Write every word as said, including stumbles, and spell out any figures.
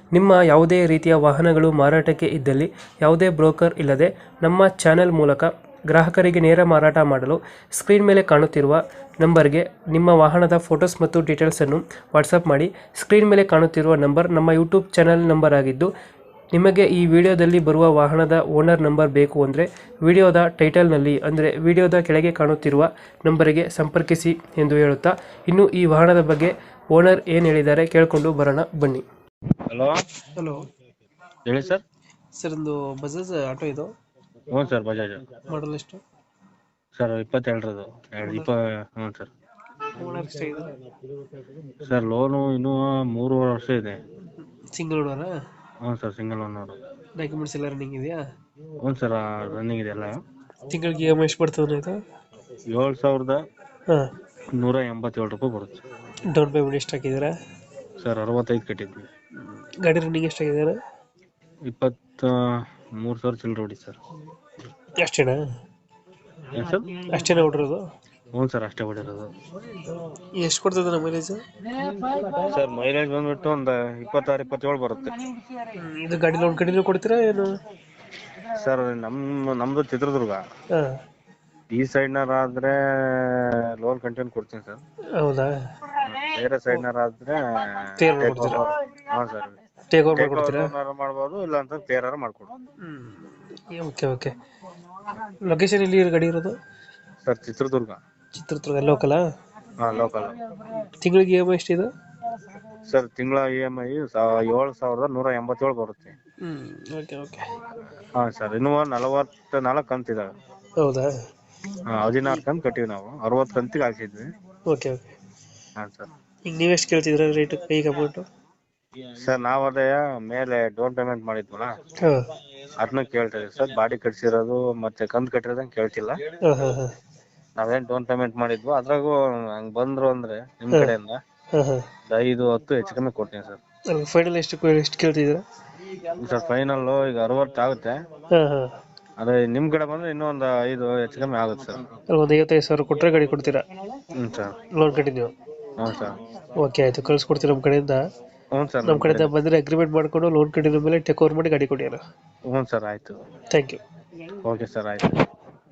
ನಿಮ್ಮ ಯಾವುದೇ ರೀತಿಯ ವಾಹನಗಳು ಮಾರಾಟಕ್ಕೆ ಇದ್ದಲ್ಲಿ ಯಾವುದೇ ಬ್ರೋಕರ್ ಇಲ್ಲದೆ ನಮ್ಮ ಚಾನೆಲ್ ಮೂಲಕ ಗ್ರಾಹಕರಿಗೆ ನೇರ ಮಾರಾಟ ಮಾಡಲು ಸ್ಕ್ರೀನ್ ಮೇಲೆ ಕಾಣುತ್ತಿರುವ ನಂಬರ್ಗೆ ನಿಮ್ಮ ವಾಹನದ ಫೋಟೋಸ್ ಮತ್ತು ಡೀಟೇಲ್ಸನ್ನು ವಾಟ್ಸಪ್ ಮಾಡಿ. ಸ್ಕ್ರೀನ್ ಮೇಲೆ ಕಾಣುತ್ತಿರುವ ನಂಬರ್ ನಮ್ಮ ಯೂಟ್ಯೂಬ್ ಚಾನೆಲ್ ನಂಬರ್ ಆಗಿದ್ದು, ನಿಮಗೆ ಈ ವಿಡಿಯೋದಲ್ಲಿ ಬರುವ ವಾಹನದ ಓನರ್ ನಂಬರ್ ಬೇಕು ಅಂದರೆ ವಿಡಿಯೋದ ಟೈಟಲ್ನಲ್ಲಿ ಅಂದರೆ ವಿಡಿಯೋದ ಕೆಳಗೆ ಕಾಣುತ್ತಿರುವ ನಂಬರಿಗೆ ಸಂಪರ್ಕಿಸಿ ಎಂದು ಹೇಳುತ್ತಾ, ಇನ್ನು ಈ ವಾಹನದ ಬಗ್ಗೆ ಓನರ್ ಏನು ಹೇಳಿದ್ದಾರೆ ಕೇಳಿಕೊಂಡು ಬರೋಣ ಬನ್ನಿ. ಹಲೋ ಹಲೋ ಹೇಳಿ ಸರ್. ಸರ್, ಒಂದು ಬಜಾಜ್ ಆಟೋ ಇದು ಹ್ಞೂ ಸರ್, ಬಜಾಜ್ ಮಾಡಲ್ ಎಷ್ಟು? ಸರ್ ಇಪ್ಪತ್ತೆರಡರದು ಎರಡು ಇಪ್ಪ ಹ್ಞೂ ಸರ್. ಓನರ್ ಎಷ್ಟಾಗಿದೆ? ಸರ್ ಲೋನು ಇನ್ನೂ ಮೂರುವರೆ ವರ್ಷ ಇದೆ. ಸಿಂಗಲ್ ಓನರಾ? ಹ್ಞೂ ಸರ್, ಸಿಂಗಲ್ ಓನರು. ಡಾಕ್ಯುಮೆಂಟ್ಸ್ ಎಲ್ಲ ರನ್ನಿಂಗ್ ಇದೆಯಾ? ಹ್ಞೂ ಸರ್, ರನ್ನಿಂಗ್ ಇದೆ ಎಲ್ಲ. ತಿಂಗಳಿಗೆ ಇ ಎಮ್ ಐ ಎಷ್ಟು ಬರ್ತದೆ ಇದು? ಏಳು ಸಾವಿರದ ಹಾಂ. ನೂರ ಎಂಬತ್ತೇಳು ರೂಪಾಯಿ ಬರುತ್ತೆ. ಡೌನ್ ಪೇಮೆಂಟ್ ಎಷ್ಟು ಹಾಕಿದ್ದೀರಾ? ಸರ್ ಅರವತ್ತೈದು ಕಟ್ಟಿದ್ವಿ. ಗಾಡಿ ರನ್ನಿಂಗ್ ಎಷ್ಟಾಗಿದೆ? ಇಪ್ಪತ್ತ ಮೂರು ಸಾವಿರ ಚಿಲ್ಲರೆ ಹೊಡಿ ಸರ್. ಅಷ್ಟೇನಾ? ಏನು ಸರ್? ಅಷ್ಟೇನಾ ಹೊಡಿರೋದು? ಹ್ಞೂ ಸರ್, ಅಷ್ಟೇ ಹೊಡಿರೋದು. ಎಷ್ಟು ಕೊಡ್ತದೆ ನಮ್ಮ ಮೈಲೇಜ್? ಸರ್ ಮೈಲೇಜ್ ಬಂದ್ಬಿಟ್ಟು ಒಂದು ಇಪ್ಪತ್ತಾರು ಇಪ್ಪತ್ತೇಳು ಬರುತ್ತೆ. ಇದು ಗಾಡಿ ಲೋನ್ ಕಡಿಮೆ ಕೊಡ್ತೀರಾ ಏನು? ಸರ್ ನಮ್ಮ ನಮ್ಮದು ಚಿತ್ರದುರ್ಗ. ಹಾಂ. ಈ ಸೈಡ್ನಾರ ಆದ್ರೆ ಲೋನ್ ಕಂಟಿನ್ಯೂ ಕೊಡ್ತೀನಿ ಸರ್. ಹೌದಾ? ಬೇರೆ ಸೈಡ್ನಾರ ಆದ್ರೆ ಟೇರ್ ಮಾಡ್ಕೊಡ್ತೀರಾ? ಹಾಂ ಸರ್, ಟೇಕ್ ಓವರ್ ಮಾಡ್ಕೊಡ್ತೀರಾ? ಮಾಡ್ಬೋದು, ಇಲ್ಲ ಅಂತ ಪೇರಾರ ಮಾಡ್ಕೊಡ್ಬೋದು. ಹ್ಞೂ, ಓಕೆ ಓಕೆ. ಲೊಕೇಶನ್ ಎಲ್ಲಿ ಗಾಡಿ ಇರೋದು? ಸರ್ ಚಿತ್ರದುರ್ಗ. ಚಿತ್ರದುರ್ಗ ಲೋಕಲಾ? ಹಾಂ, ಲೋಕಲ್. ತಿಂಗಳಿಗೆ ಇ ಎಮ್ ಐ ಎಷ್ಟಿದೆ? ಸರ್ ತಿಂಗಳ ಇ ಎಮ್ ಐ ಏಳು ಸಾವಿರದ ನೂರ ಎಂಬತ್ತೇಳು ಬರುತ್ತೆ. ಹ್ಞೂ, ಓಕೆ ಓಕೆ. ಹಾಂ ಸರ್, ಇನ್ನೂ ನಲವತ್ತ ನಾಲ್ಕು ಕಂತಿದ್ದಾವೆ. ಹೌದಾ? ಹಾಂ, ಹದಿನಾರು ಕಂತು ಕಟ್ಟಿವಿ ನಾವು. ಅರವತ್ತು ಕಂತಿಗೆ ಹಾಕಿದ್ವಿ. Okay okay. ಹಾಂ ಸರ್. ಈಗ ನೀವೆಷ್ಟು ಕೇಳ್ತಿದ್ದೀರಾ ರೇಟ್ ಕೈಗೆ ಅಮೌಂಟು? ಸರ್ ನಾವು ಅದೇ ಮೇಲೆ ಡೌನ್ ಪೇಮೆಂಟ್ ಮಾಡಿದ್ವಲ್ಲ, ಹಾಂ ಅದನ್ನ ಕೇಳ್ತಾ ಇದೀವಿ ಸರ್. ಬಾಡಿ ಕಟ್ಸಿರೋದು ಮತ್ತೆ ಕಂತು ಕಟ್ಟಿರೋದಂಗೆ ಕೇಳ್ತಿಲ್ಲ. ಹಾಂ ಹಾಂ ಹಾಂ ನಾವೇನ್ ಡೌನ್ ಪೇಮೆಂಟ್ ಮಾಡಿದ್ವು ಅದ್ರಾಗೂ ಹಂಗ್ ಬಂದ್ರು ಅಂದ್ರೆ ನಿಮ್ ಹಾಂ ಕಡೆಯಿಂದ ಹಾಂ ಹಾಂ ಐದು ಹತ್ತು ಹೆಚ್ಚು ಕಮ್ಮಿ ಕೊಡ್ತೀನಿ ಸರ್. ಫೈನಲ್ ಎಷ್ಟು ಎಷ್ಟು ಕೇಳ್ತಿದ್ದೀರಾ? ಸರ್ ಫೈನಲ್ ಈಗ ಅರವತ್ತು ಆಗುತ್ತೆ. ಹಾಂ ಹಾಂ. ಅದೇ ನಿಮ್ ಕಡೆ ಬಂದ್ರೆ ಇನ್ನೂ ಒಂದು ಐದು ಹೆಚ್ಚು ಕಮ್ಮಿ ಆಗುತ್ತೆ ಸರ್. ಒಂದು ಐವತ್ತೈದು ಸಾವಿರ ಕೊಟ್ಟರೆ ಗಾಡಿ ಕೊಡ್ತೀರಾ? ಹ್ಞೂ ಸರ್. Loan continue? ಹ್ಞೂ ಸರ್. ಓಕೆ ಆಯಿತು, ಕಳ್ಸ್ಕೊಡ್ತೀವಿ ನಮ್ಮ ಕಡೆಯಿಂದ. ಹ್ಞೂ ಸರ್. ನಮ್ಮ ಕಡೆಯಿಂದ ಬಂದರೆ ಅಗ್ರಿಮೆಂಟ್ ಮಾಡಿಕೊಂಡು ಲೋನ್ ಕಂಟಿನ್ಯೂ ಮೇಲೆ ಟೇಕ್ ಓವರ್ ಮಾಡಿ ಗಾಡಿ ಕೊಡಿ. ಹ್ಞೂ ಸರ್, ಆಯಿತು. Thank you. ಓಕೆ ಸರ್, ಆಯಿತು.